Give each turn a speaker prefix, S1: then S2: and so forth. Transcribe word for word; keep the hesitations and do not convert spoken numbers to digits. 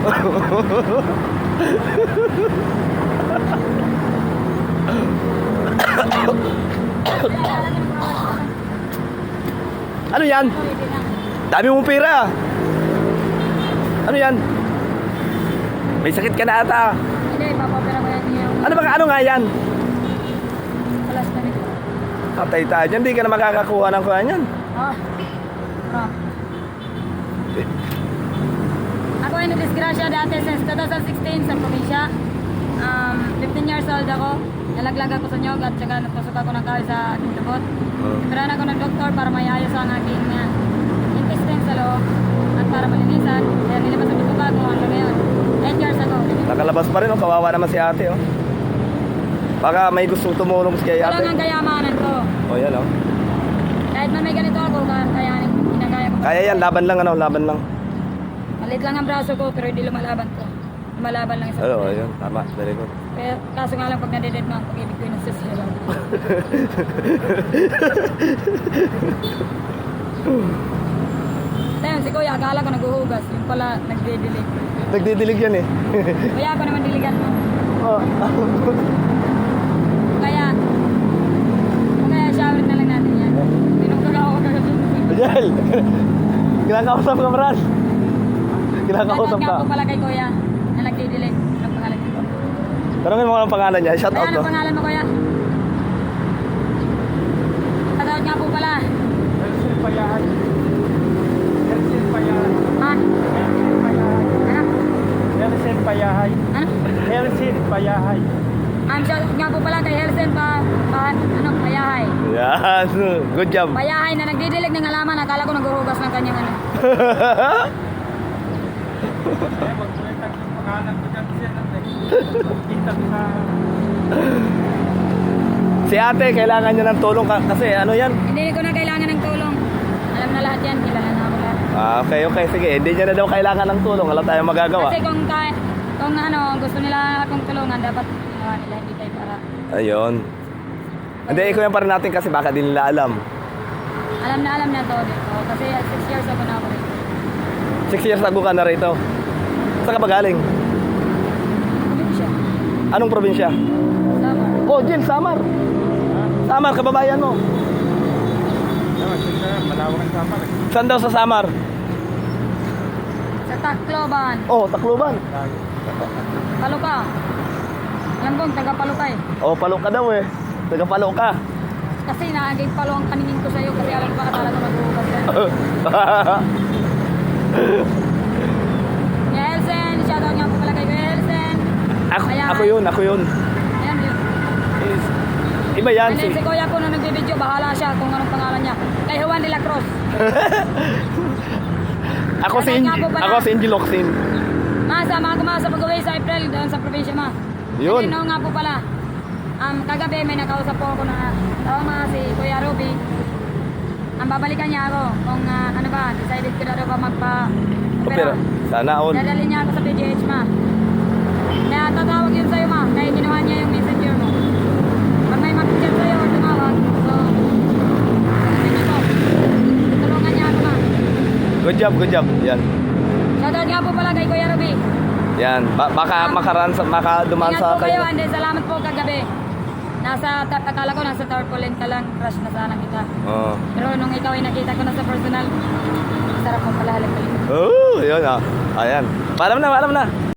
S1: Ano yan? Dami mong pera. Ano yan? May sakit ka na ata.
S2: Hindi, papapera ko yan yung
S1: Ano ba? Ano nga yan?
S2: palas na nito.
S1: Patay tayo dyan. Hindi ka na makakakuha ng kuha niyan.
S2: Ah. Ah. Ako ay nadisgrasya dati since twenty sixteen sa probinsya. Um, fifteen years old ako. Nalaglag ako sa nyog at saka napasok ako ng kahoy sa aking lubot.
S1: Oh.
S2: Ipiran ako ng doktor para mayayos ang aking uh, intestine sa loob at para malinisan. Kaya nilabas ang bituka kung ano na yun. eight years ago.
S1: Nakalabas pa rin. Oh. Kawawa naman si ate. Oh. Baka may gusto tumulong kay
S2: Ito lang
S1: ate.
S2: ang kayamanan ko.
S1: Oh, yan oh.
S2: Kahit man may ganito ako, kaya ginagaya ko.
S1: Kaya yan. Laban lang ano. Laban lang.
S2: Malit lang ang braso ko pero hindi lumalaban ko. Lumalaban lang isa.
S1: Oo, oh, yun. Tama. Very good.
S2: Pero kaso nga lang pag nadeded mo ang pag-ibig ko yung nagsasira. Tayo, si Kuya, akala ko naghuhugas. Yung pala, nagdidilig.
S1: Nagdidilig yan eh.
S2: Kuya, ako naman diligan mo.
S1: Oh.
S2: Kaya, kaya shower na lang natin yan. Tinungkag ako kagasun.
S1: Jel! Kinakausap ka, Maran. Kinakausap
S2: Shoutout
S1: ka.
S2: nga po pala kay Kuya na nagdidilig. Anong pangalan niya?
S1: Tanongin mo ang pangalan niya. Shout out
S2: Kaya,
S1: to.
S2: anong pangalan mo, Kuya? Shoutout nga po pala.
S3: Hersil Payahay. Hersil Payahay.
S2: Ha? Ano?
S3: Hersil Payahay.
S2: Ano?
S3: Hersil Payahay.
S2: Ang shoutout nga po pala kay Helsen pa, pa ano, Payahay.
S1: Yan. Good job.
S2: Payahay na nagdidilig ng halaman. Akala ko naghuhugas ng kanyang ano.
S3: Eh, magkulitan yung pangalan ko dyan siya natin. Kita sa...
S1: Si ate, kailangan niya ng tulong ka, kasi ano yan?
S2: Hindi ko na kailangan ng tulong. Alam na lahat yan. Kilala na ako lahat.
S1: Ah, okay, okay. Sige, hindi niya na daw kailangan ng tulong. Wala tayong magagawa.
S2: Kasi kung, kaya, kung ano, gusto nila akong tulungan, dapat ginawa nila. Hindi tayo para.
S1: Ayun. Hindi, ikaw yan pa rin natin kasi baka di nila alam.
S2: Alam na alam na to dito. Kasi six years ako na ako rin.
S1: Six years ago ka na rito. Saan ka ba galing?
S2: Probinsya.
S1: Anong probinsya?
S2: Sama.
S1: Oh, Jill, Samar. Samar, kababayan mo.
S3: Naman, sige na, malawak ang sama.
S1: Saan daw sa Samar?
S2: Sa Tacloban.
S1: Oh, Tacloban.
S2: Paluka. Alam kong taga Paluka eh.
S1: Oh, palo ka daw eh. Taga palo ka.
S2: Kasi naagay palo ang paningin ko sa'yo kasi alam ko akala ko maghuhugas yan. Kuya Elsen, shoutout nga po pala kay Kuya Elsen.
S1: Ako,
S2: Ayan.
S1: ako yun, ako yun.
S2: Ayan yun.
S1: Is- Iba yan.
S2: And then
S1: Si,
S2: si Kuya po nung nagbibideo, bahala siya kung anong pangalan niya. Kay Juan de la Cruz.
S1: ako si
S2: Shoutout
S1: Inji,
S2: nga po pala.
S1: ako si Inji Locsin.
S2: Ma, sama ko ma sa pag-uwi sa April doon sa probinsya ma.
S1: Yun.
S2: And then, oo nga po pala. Um, kagabi may nakausap po ako na tama si Kuya Ruby. Ang babalikan niya ako kung ah, ano ba, decided ko na daw ba magpa-opera.
S1: Pero, sana all.
S2: Dadalhin niya ako sa P G H ma. Kaya tatawag yun sa'yo ma, kaya ginawa niya yung messenger mo. Pag may mag-chat sa'yo or tumawag, so, sabihin niyo po, tulungan niya ako ma.
S1: Good job, good job. Yan.
S2: Shoutout nga po pala kay Kuya Ruby.
S1: Yan. Ba- baka makaran sa, maka dumaan
S2: Ingat
S1: sa
S2: po kayo,
S1: kayo.
S2: and then salamat po kagabi. Nasa, ta- akala ko nasa tarpaulin ka lang, crush na sana kita.
S1: Oh.
S2: Pero nung ikaw ay nakita ko na sa personal, sarap mo pala halik-halik.
S1: Oh, yun ah. Ayan. Paalam na, paalam na.